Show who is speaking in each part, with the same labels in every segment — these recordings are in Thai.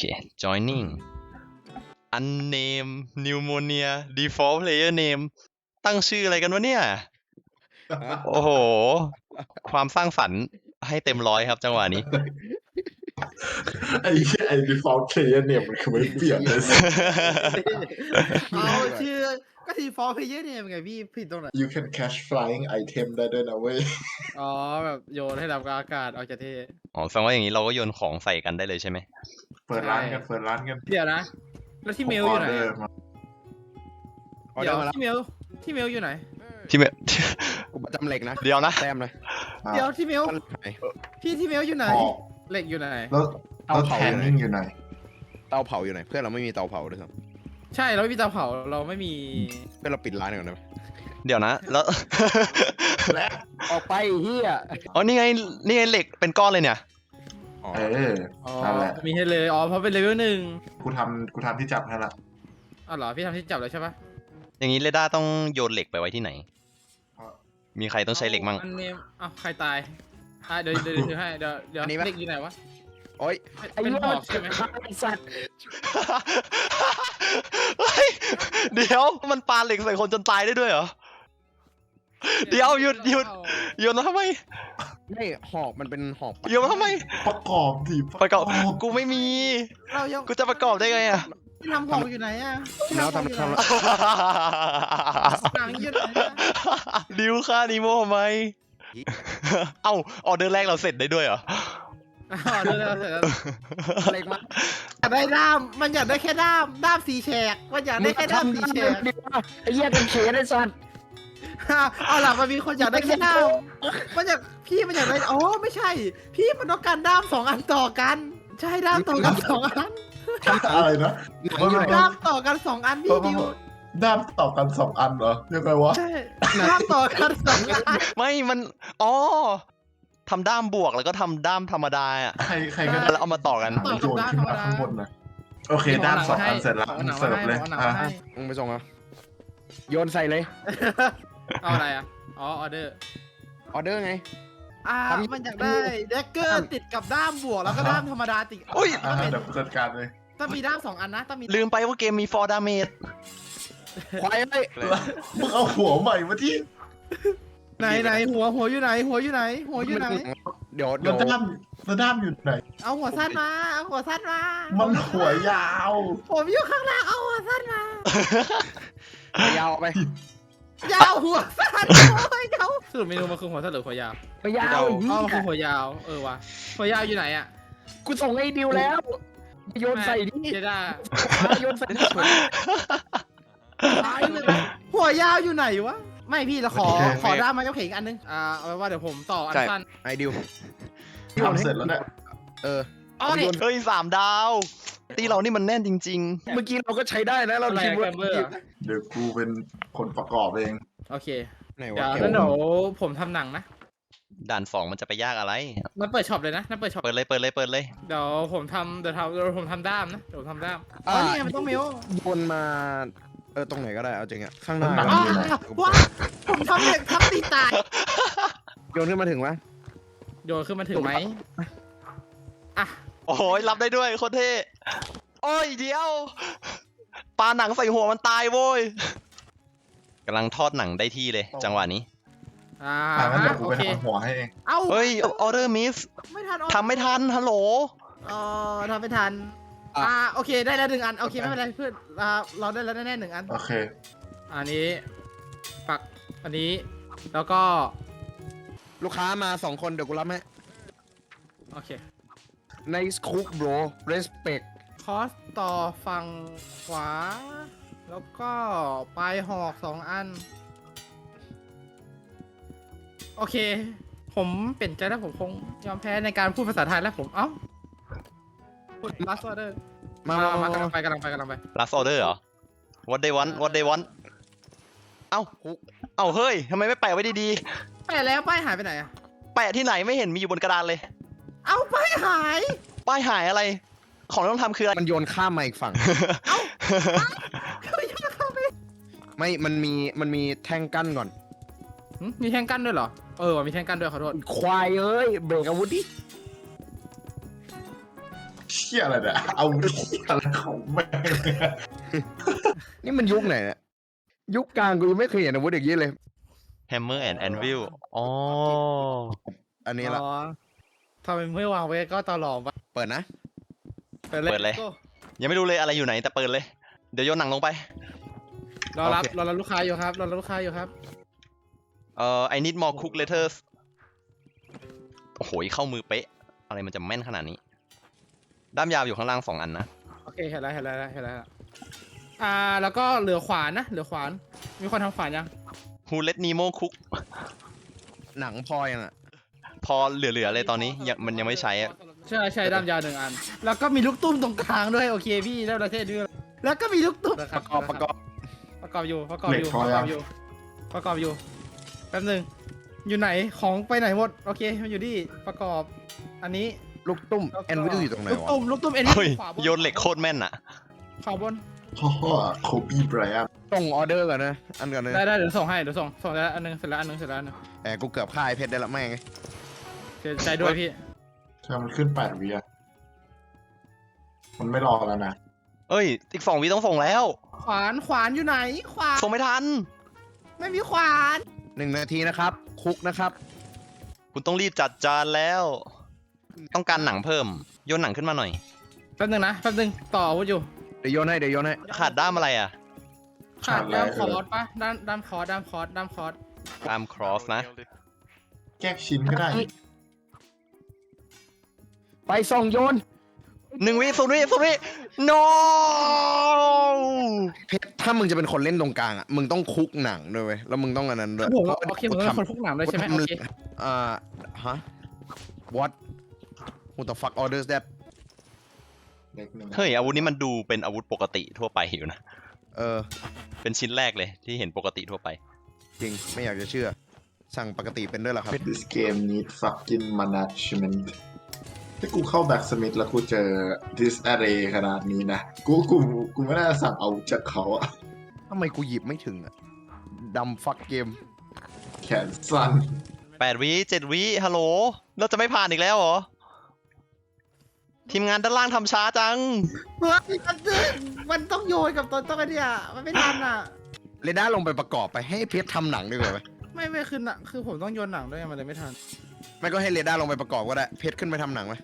Speaker 1: เค joining unnamed pneumonia default player name ตั้งชื่ออะไรกันวะเนี่ย โอ้โห ความสร้างสรรค์ให้เต็มร้อยครับจังหวะนี้
Speaker 2: ไอ้ default player เนี่ยมันคือไม่เปลี่ยนเลย
Speaker 3: เอาชื่อก็ทีฟอร์เพย์เยอร์เนี่ยไงพี่ผิดตรงไหน
Speaker 2: you can catch flying item ได้ด้วยนะเว้ย
Speaker 3: อ๋อแบบโยนให้ดับอากาศเอาจะเท่
Speaker 1: อ๋อแสดงว่าอย่างนี้เราก็โยนของใส่กันได้เลยใช่ไหม
Speaker 2: เปิดร้านกันเปิดร้านกัน
Speaker 3: เดี๋ยวนะ แล้วที่เมลอยู่ไหน
Speaker 2: ผม
Speaker 3: อะ
Speaker 2: order มา
Speaker 3: เดี๋ยว
Speaker 4: มาแล้ว
Speaker 3: ที่เมลอยู่ไหน
Speaker 1: ที่เม
Speaker 4: กูประจำเหล็กนะ
Speaker 1: เดี๋ยวนะ
Speaker 4: แต้มเลย
Speaker 3: เดี๋ยวที่เมล
Speaker 4: ต้นไหน
Speaker 3: พี่ที่เมลอยู่ไหน
Speaker 2: ออก
Speaker 3: เหล็กอยู่ไหน
Speaker 2: แล้ว
Speaker 4: เตาเผา
Speaker 2: แทนนิ่งอยู่ไหน
Speaker 4: เตาเผาอยู่ไหนเพื่อนเราไม่มีเตาเผาด้วยครับ
Speaker 3: ใช่เราไม่มีเตาเผาเราไม่มี
Speaker 4: เพื่อนเราปิดร้านก่อนได้ไหม
Speaker 1: เดี๋ยวนะ แล้ว
Speaker 2: และ
Speaker 4: ออกไปเฮีย
Speaker 1: อ๋อนี่ไงเหล็กเป็นก้อนเลยเนี่ย
Speaker 4: อ๋อ
Speaker 2: เออ
Speaker 3: อ๋อ
Speaker 2: นั่นแหละ
Speaker 3: มีให้เลยอ๋อเพราะเป็นเลเวลหนึ่ง
Speaker 2: กูทำที่จับให้ละ
Speaker 3: อ๋อเหรอพี่ทำที่จับเลยใช่ปะ
Speaker 1: อย่างนี้เรด้าต้องโยนเหล็กไปไว้ที่ไหน มีใครต้องใช้เหล็กมั่ง
Speaker 3: อันนี้อ้าวใครตายเดี๋ยวถือให้เดี๋ยวเหล็กอยู่ไหนวะ
Speaker 4: โอ้ย
Speaker 3: เป็นหอกใช่ไหม
Speaker 4: ไอ้สัตว์
Speaker 1: เฮ้ยเดี๋ยวมันปาเหล็กใส่คนจนตายได้ด้วยเหรอ เดี๋ยวหยุดโยนมาทำไม
Speaker 4: ไม่หอกมันเป็นหอกปัด
Speaker 1: โยนมาทำไม
Speaker 2: ประกอบดิ
Speaker 1: ประกอบกูไม่มี
Speaker 3: เรายัง
Speaker 1: กูจะประกอบได้ไงอะ
Speaker 3: พี่ทำหอกอยู่ไหนอะพี่
Speaker 4: แล้ว
Speaker 3: หอกอยู่ไหน หนังอยู่ไหนอะ
Speaker 1: ดิวค่านิโมทำไม เอ้าออเดอร์แรกเราเสร็จได้ด้วยเหรอ
Speaker 3: อ๋อเดี๋ยวเสร็จแล้ว
Speaker 4: เหล็กมา
Speaker 3: อยากได้ด้ามมันอยากได้แค่ด้ามสีแฉกมันอยากได้แค่ด้ามสีแฉก
Speaker 4: ดิว่าไอ้เหี้ยเป็นเขนไอ้สัตว์
Speaker 3: เอาหลังมันมีคนอยากได้แค่ด้ามมันอยากพี่มันอยากได้อ๋อไม่ใช่ พี่มันต้องการด้าม2 อันต่อกันใช่ด้ามต่อกัน2 อัน
Speaker 2: อะไรนะ
Speaker 4: หนังอยู่ไหน
Speaker 3: ด้ามต่อกัน2 อันพี่ดิว
Speaker 2: ด้ามต่อกัน2 อันเหรอยังไงวะ
Speaker 3: ใช่ด้ามต่อกัน2 อัน
Speaker 1: ไม่มันอ๋อทำด้ามบวกแล้วก็ทำด้ามธรรมดาอ่ะ
Speaker 2: ใครก็
Speaker 1: แล้วเอามาต่อกัน
Speaker 2: หาโยนขึ้นมาข้างบนนะโอเคด้าม2 อันเสร็จแล้ว
Speaker 3: อาหนัง
Speaker 2: เสิร์ฟ
Speaker 3: มาให้
Speaker 2: เลย
Speaker 3: อาหนัง
Speaker 2: อ่ะ
Speaker 3: มาให้
Speaker 4: มึงไปส่งเหรอโยนใส่เลย
Speaker 3: เอาอะไรอ่ะอ๋อออเดอร์
Speaker 4: ออเดอร์ไง
Speaker 3: มันอยากได้เดกเกอร์ติดกับด้ามบวกแล้วก็ด้ามธรรมดาติด
Speaker 1: อุ้ย
Speaker 2: เดี๋ยวกูจัดการเลย
Speaker 3: ต้องมีด้าม2 อันนะต้องมี
Speaker 1: ลืมไปว่าเกมมี for damage
Speaker 4: ควายเอ้ย
Speaker 2: มึงเอาหัวใหม่มาที่
Speaker 3: ไหนหัวอยู่ไหนหัวอยู่ไหน
Speaker 4: เดี๋ยว
Speaker 2: แล้วด้ามอยู่ไหน
Speaker 3: เอาหัวสั้นมาเอาหัวสั้นมา
Speaker 2: มันหัวยาว
Speaker 3: ผมอยู่ข้างล่างเอาหัวสั้นมา
Speaker 4: ยาวไป
Speaker 3: ยาวหัวสั้นโอ้ยเขาสรุปเมนูมันคือหัวสั้นหรือหัวยาว
Speaker 4: ไปยาว
Speaker 3: อ๋อมันคือหัวยาวว่ะหัวยาวอยู่ไหนอ่ะ
Speaker 4: กูส่งไอ้ดิวแล้วโยนใส่ดิ
Speaker 3: เจด้า
Speaker 4: โยนใส่ดิ
Speaker 3: หัวยาวอยู่ไหนวะไม่พี่เราขอด้ามไม้กางเขนอีกอันนึงเอาไว้ว่าเดี๋ยวผมต่ออันสั้น
Speaker 4: ไอ้ดิว
Speaker 2: ทำเสร็จแล้วเนี่ย
Speaker 4: เออ
Speaker 3: อ๋อนี่
Speaker 1: เฮ้ย3 ดาว ตีเรานี่มันแน่นจริง
Speaker 4: เมื่อกี้เราก็ใช้ได้นะเรา
Speaker 3: อะไร
Speaker 4: คิดว่า
Speaker 3: แกมเบอร์
Speaker 2: เดี๋ยวกูเป็นคนประกอบเอง
Speaker 3: โอเค
Speaker 4: ไหน
Speaker 3: เดี๋
Speaker 4: วะ
Speaker 3: ยวแล้วเดี๋ยวผมทำหนังนะ
Speaker 1: ๆ ด่าน 2 มันจะไปยากอะไร
Speaker 3: มันเปิดช็อปเลยนะนั่นเปิดช็อป
Speaker 1: เปิดเลยเปิดเลย
Speaker 3: เดี๋ยวผมทำด้ามนะเดี๋ยวผมทำด้ามอ๋อนี่ไงมันต้องเมล
Speaker 4: โยนมาตรงไหนก็ได้เอาจริงอะข้างหน้า
Speaker 3: ว้าผมทำเหล็กทับตีตาย
Speaker 4: โยนขึ้นมาถึงวะ
Speaker 3: โยนขึ้นมาถึงไหมอ่ะ
Speaker 1: โอ้ยรับได้ด้วยโคตรเท่โอ้ยเดี๋ยวปาหนังใส่หัวมันตายโว้ยกำลังทอดหนังได้ที่เลย จังหวะนี้
Speaker 2: งั้นเดี๋ยวกู
Speaker 3: โอ
Speaker 2: ไป
Speaker 3: เค
Speaker 2: ทำหัวให้เอง
Speaker 3: เอ้า
Speaker 1: เฮ้ยออเดอร์มิส
Speaker 3: ไม่ทัน
Speaker 1: ทำไม่ทันฮัลโหล
Speaker 3: ทำไม่ทันโอเคได้แล้ว1 อันโอเคไม่เป็นไรเพื่อนเราได้แล้วแน่ๆ1 อัน
Speaker 2: โอเค
Speaker 3: อันนี้ปักอันนี้แล้วก็
Speaker 4: ลูกค้ามา2 คนเดี๋ยวกูรับให้
Speaker 3: โอเค
Speaker 4: Nice cook bro respect
Speaker 3: คอสต่อฝั่งขวา แล้วก็ปลายหอก2 อัน โอเค ผมเปลี่ยนใจแล้วผมคงยอมแพ้ในการพูดภาษาไทยแล้วผมพูด last order มากำลังไป
Speaker 1: last order เหรอ what they want เอ้าเฮ้ยทำไมไม่แปะไว้ดี
Speaker 3: แปะแล้วป้ายหายไปไหนอะ
Speaker 1: ๆ แปะที่ไหนไม่เห็นมีอยู่บนกระดานเลย
Speaker 3: เอาป้ายหาย
Speaker 1: ป้ายหายอะไร ของที่ต้องทำคืออะไร
Speaker 4: มันโยนข้ามมาอีกฝั่ง ไม่มันมีแท่งกั้นก่อน
Speaker 3: มีแท่งกั้นด้วยเหรอว่ะมีแท่งกั้นด้วยขอโทษ
Speaker 4: ควายเอ้ยเบรกอาวุธดิ
Speaker 2: ชี่ยอะไรเนี่ยเอาอะไรของแม่งเนี่ย
Speaker 4: นี่มันยุคไหนเนี่ยยุคกลางกูยังไม่เคยเห็นอาวุธอย่างนี้เลย
Speaker 1: Hammer and Anvil อ๋อ
Speaker 4: อันนี้ละ
Speaker 3: อ๋อทำไมไม่วางไว้ก็ตลอดวะ
Speaker 4: เปิดนะ
Speaker 3: เปิดเลย
Speaker 1: เปิดเลย
Speaker 3: โก้
Speaker 1: ยังไม่รู้เลยอะไรอยู่ไหนแต่เปิดเลย เดี๋ยวโยนหนังลงไป
Speaker 3: รอรับ
Speaker 4: โอเค
Speaker 3: รอรับลูกค้าอยู่ครับรอรับลูกค้าอยู่ครับ
Speaker 1: I need more cook letters โอ้โหเข้ามือเป๊ะ อะไรมันจะแม่นขนาดนี้ ด้ามยาวอยู่ข้างล่าง2 อันนะ
Speaker 3: โอเคเห็นแล้วแล้วก็เหลือขวานนะเหลือขวาน มีคนทำขวานยัง
Speaker 1: Who let Nemo cook
Speaker 4: หนังพอยังอ่ะ
Speaker 1: พอเหลือๆเลยตอนนี้มันยังไม่ใช้อะ
Speaker 3: ใช่ด้ามยาว1 อัน แล้วก็มีลูกตุ้มตรงกลางด้วยโอเคพี่ได้ประเทศด้วยแล้วก็มีลูกตุ้ม
Speaker 4: ประกอบ
Speaker 3: ประกอบอยู่แป๊บนึงอยู่ไหนของไปไหนหมดโอเคมันอยู่ที่ประกอบอันนี้
Speaker 4: ลูกตุ้ม
Speaker 3: แล้วก็
Speaker 4: แอนวิลอยู่ตรงไหน
Speaker 3: ลูก
Speaker 4: วะ
Speaker 3: ตุ้มเอ็น
Speaker 1: เฮ้ย
Speaker 3: ขวาบน
Speaker 1: โยนเหล็กโคตรแม่นอะ
Speaker 3: ขวาบน
Speaker 2: พ่อโคบี้ไบรอัน
Speaker 4: ส่งออเดอร์ก่อนนะอันก่อนเลย
Speaker 3: ได้เดี๋ยวส่งให้เดี๋ยวส่งแล้วอันนึงเสร็จแล้วอันนึง
Speaker 4: แหมกูเกือบฆ่าไอ้เพชรได้ละแม่งไง
Speaker 3: เสียใจด้วยพี่
Speaker 2: ใช่มันขึ้น8 วิอะมันไม่รอแล้วนะ
Speaker 1: เอ้ยอีก2 วิต้องส่งแล้ว
Speaker 3: ขวานอยู่ไหนขวาน
Speaker 1: ส่งไม่ทัน
Speaker 3: ไม่มีขวาน
Speaker 4: 1 นาทีนะครับคุกนะครับ
Speaker 1: คุณต้องรีบจัดจานแล้ว ต้องการหนังเพิ่ม โยนหนังขึ้นมาหน่อย
Speaker 3: แป๊บนึงต่ออาวุธอยู่
Speaker 4: เดี๋ยวโยนให้
Speaker 1: ขาดด้ามอะไรอะ
Speaker 3: ขาดด้ามคอร์สปะด้ามคอร์ส
Speaker 1: ด้ามครอสนะ
Speaker 2: แยกชิ้นก็ได้
Speaker 4: ไปส่งโยน
Speaker 1: 1 วิ0 วิ no
Speaker 4: เพชรถ้ามึงจะเป็นคนเล่นตรงกลางอ่ะมึงต้องคุกหนังด้วยเว้ยแล้วมึงต้องอันนั้นด้วย
Speaker 3: ผมโอเคผมเป็นคนพวกหนังเลยใช่ไหมโอเค
Speaker 4: ฮะ what who the fuck orders that
Speaker 2: เล็กหนึ่ง
Speaker 1: เฮ้ยอาวุธนี้มันดูเป็นอาวุธปกติทั่วไปอยู่นะ
Speaker 4: เออ
Speaker 1: เป็นชิ้นแรกเลยที่เห็นปกติทั่วไป
Speaker 4: จริงไม่อยากจะเชื่อ สั่งปกติเป็นด้วยเหรอครับ
Speaker 2: This game need fucking management ถ้ากูเข้าแบ็กสมิธแล้วกูเจอ this array ขนาดนี้นะ กูไม่น่าจะสั่งเอาจากเขาอะ
Speaker 4: ทำไมกูหยิบไม่ถึงอ่ะดำฟักเกม
Speaker 2: แขนสั้น
Speaker 1: 8 วิ7 วิฮัลโหลเราจะไม่ผ่านอีกแล้วเหรอ ทีมงานด้านล่างทำช้าจัง
Speaker 3: เฮ้ยมันต้องโยนกับต้นไอ้เนี่ยมันไม่ทันอ่ะ
Speaker 4: เรด้าลงไปประกอบไปให้เพชรทำหนังดีกว่าไหม
Speaker 3: ไม่คือหนังคือผมต้องโยนหนังด้วยมันเลยไม่ทัน
Speaker 4: ไม่ก็ให้เรด้าลงไปประกอบก็ได้เพชรขึ้นไปทำหนังไหม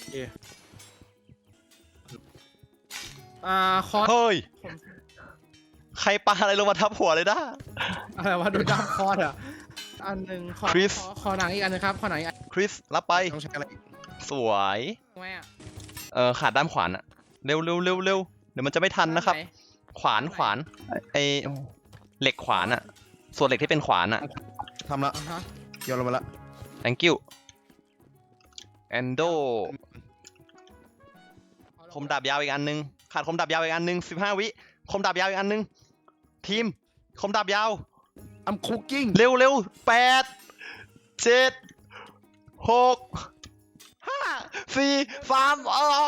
Speaker 3: คอร์ส
Speaker 1: เฮ้ย ใครปาอะไรลงมาทับหัวเลยนะ
Speaker 3: อะไรวะดูด้ามคอร์สอ่ะอันหนึ่งขอ
Speaker 1: Chris
Speaker 3: ขอหนังอีกอันนึงครับขอหนังอีกอัน
Speaker 1: คริสรับไป
Speaker 4: ต้องใช้อะไรอีก
Speaker 1: สวย
Speaker 3: ไหมอ่ะ
Speaker 1: ขาดด้ามขวานอะเร็วเดี๋ยวมันจะไม่ทันนะครับ
Speaker 3: ไห
Speaker 1: ขวานไอเหล็กขวานอะส่วนเหล็กที่เป็นขวานอะ
Speaker 4: ทำละ
Speaker 3: อ่าฮะ
Speaker 4: โยนลงมาละ
Speaker 1: thank you endo คมดาบยาวอีกอันนึง ขาดคมดาบยาวอีกอันนึง15 วิคมดาบยาวอีกอันนึง ทีม คมดาบยาว
Speaker 4: I'm cooking
Speaker 1: เร็ว8 7 6 5 4 3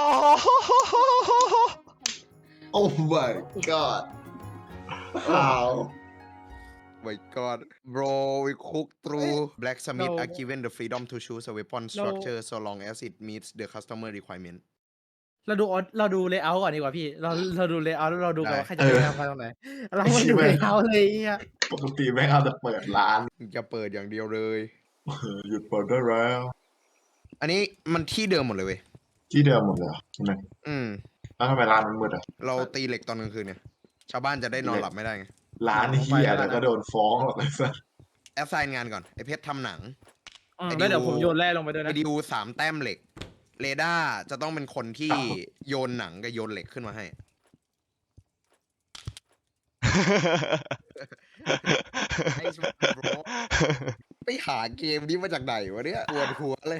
Speaker 2: Oh my god How
Speaker 4: my god bro we cook through blacksmith are given the freedom to choose a weapon structure so long as it meets the customer requirement
Speaker 3: เราดูเลเยอร์ก่อนดีกว่าพี่เราดูเลเยอร์แล้วเราดูกันว่าใครจะ
Speaker 2: เออ
Speaker 3: ไปทำกันตรงไหนเราไม่ดูเลเยอร์เลยอ่ะ
Speaker 2: ปกติแม่งเอาแต่เปิดร้าน
Speaker 4: จะเปิดอย่างเดียวเลย
Speaker 2: หยุดเปิดได้แล้ว
Speaker 4: อันนี้มันที่เดิมหมดเลยเว้ย
Speaker 2: ที่เดิมหมดเลยเหรอใช่ไหม
Speaker 4: อืม
Speaker 2: แล้วทำไมร้านมันมืดอ่ะ
Speaker 4: เราตีเหล็กตอนกลางคืนเนี่ย ชาวบ้านจะได้นอนหลับไม่ได้ไง
Speaker 2: ร้านที่อะไรก็โดนฟ้องหรอกเลยสัส
Speaker 4: แอสไซน์งานก่อน ไอเพชรทำหนัง
Speaker 3: แล้วเดี๋ยวผมโยนแร่ลงไปด้วย
Speaker 4: ไอ
Speaker 3: นะ
Speaker 4: ดิว3 แต้มเหล็ก เรดาร์จะต้องเป็นคนที่โยนหนังกับโยนเหล็กขึ้นมาให้ ไอ้สมัยโบรไปหาเกมนี้มาจากไหนวะเนี่ยปวดหัวเลย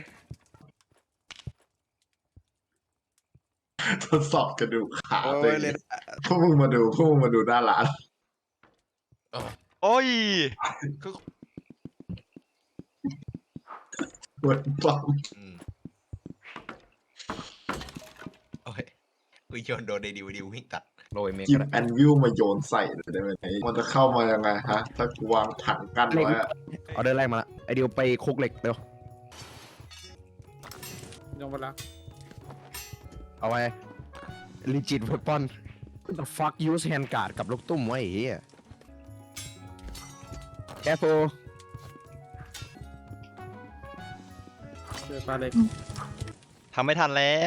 Speaker 2: ทดสอบกระดูกขา
Speaker 4: โอ้
Speaker 2: ตัวย เอ
Speaker 4: เลย
Speaker 2: งพวกมึงมาดูหน้าร้าน
Speaker 1: โอ้ย
Speaker 2: เปิดปั๊ม
Speaker 5: โอ้ยกูโยนโดนในดิววิ่งตัด
Speaker 4: โรยเมก
Speaker 2: จิบ
Speaker 4: ก็ได้
Speaker 2: แอนวิวมาโยนใส่เลยได้ไหมมันจะเข้ามายังไงฮะ ถ้ากูวางถังกั้นไว้อะ
Speaker 4: ออเดอร์แรกมาละไอดิวไปคุกเหล็กเร็ว
Speaker 3: ลงไปแล้ว
Speaker 4: เอาเอาไว้ legit weapon the fuck use hand guard กับลูกตุ้มไว้ไอ้เหี้ย careful
Speaker 3: เดินมาเลย
Speaker 1: ทำไม่ทันแล้ว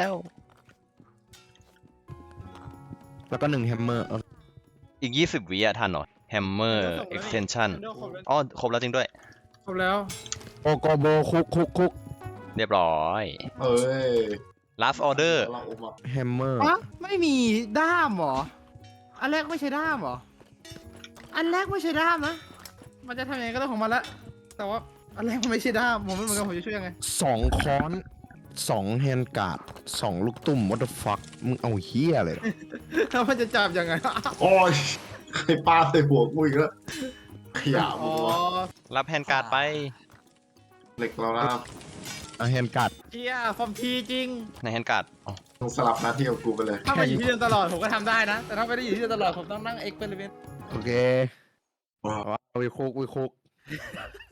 Speaker 4: แล้วก็1 hammer
Speaker 1: อีก 20 วิอะทันเหรอ Hammer Extension อ๋อ ครบแล้วจริงด้วย
Speaker 3: ครบแล้ว
Speaker 4: โอโกโบคุก
Speaker 1: เรียบร้อย
Speaker 2: เอ้ย
Speaker 1: Last Order
Speaker 2: เราอมมา
Speaker 4: hammer
Speaker 3: อะไม่มีด้ามเหรอ อันแรกไม่ใช่ด้ามเหรอ อันแรกไม่ใช่ด้ามนะ มันจะทำยังไงก็เรื่องของมันละ แต่ว่าอันแรกมันไม่ใช่ด้าม ผมไม่เหมือนกันผมจะช่วยยังไง
Speaker 4: 2 ค้อน 2 hand guard 2 ลูกตุ้ม what the fuck มึงเอาเหี้ยอะไรเหรอ
Speaker 3: แล้วมันจะจับยังไง
Speaker 2: โอ้ยใครปาใส่หัวกูอีกแล้วขยะ
Speaker 3: อ๋
Speaker 2: มึ
Speaker 3: อง
Speaker 2: วะ
Speaker 1: รับแฮนการ์ดไป
Speaker 2: เหล็กเรานะ
Speaker 4: เอา hand guard
Speaker 3: เชียฟอร์มทีจริง
Speaker 1: ในแฮนการ์ดอ๋อ
Speaker 2: ต้องสลับหน้าที่กับกูไปเลย
Speaker 3: ถ้ามาอยู่ที่เดิมตลอดผมก็ทำได้นะ แต่ถ้าไม่ได้อยู่ที่เดิมตลอดผมต้องนั่งเอ็กซ์เพร์เมนต์
Speaker 4: โอเค
Speaker 2: ว้าว
Speaker 4: วิคุก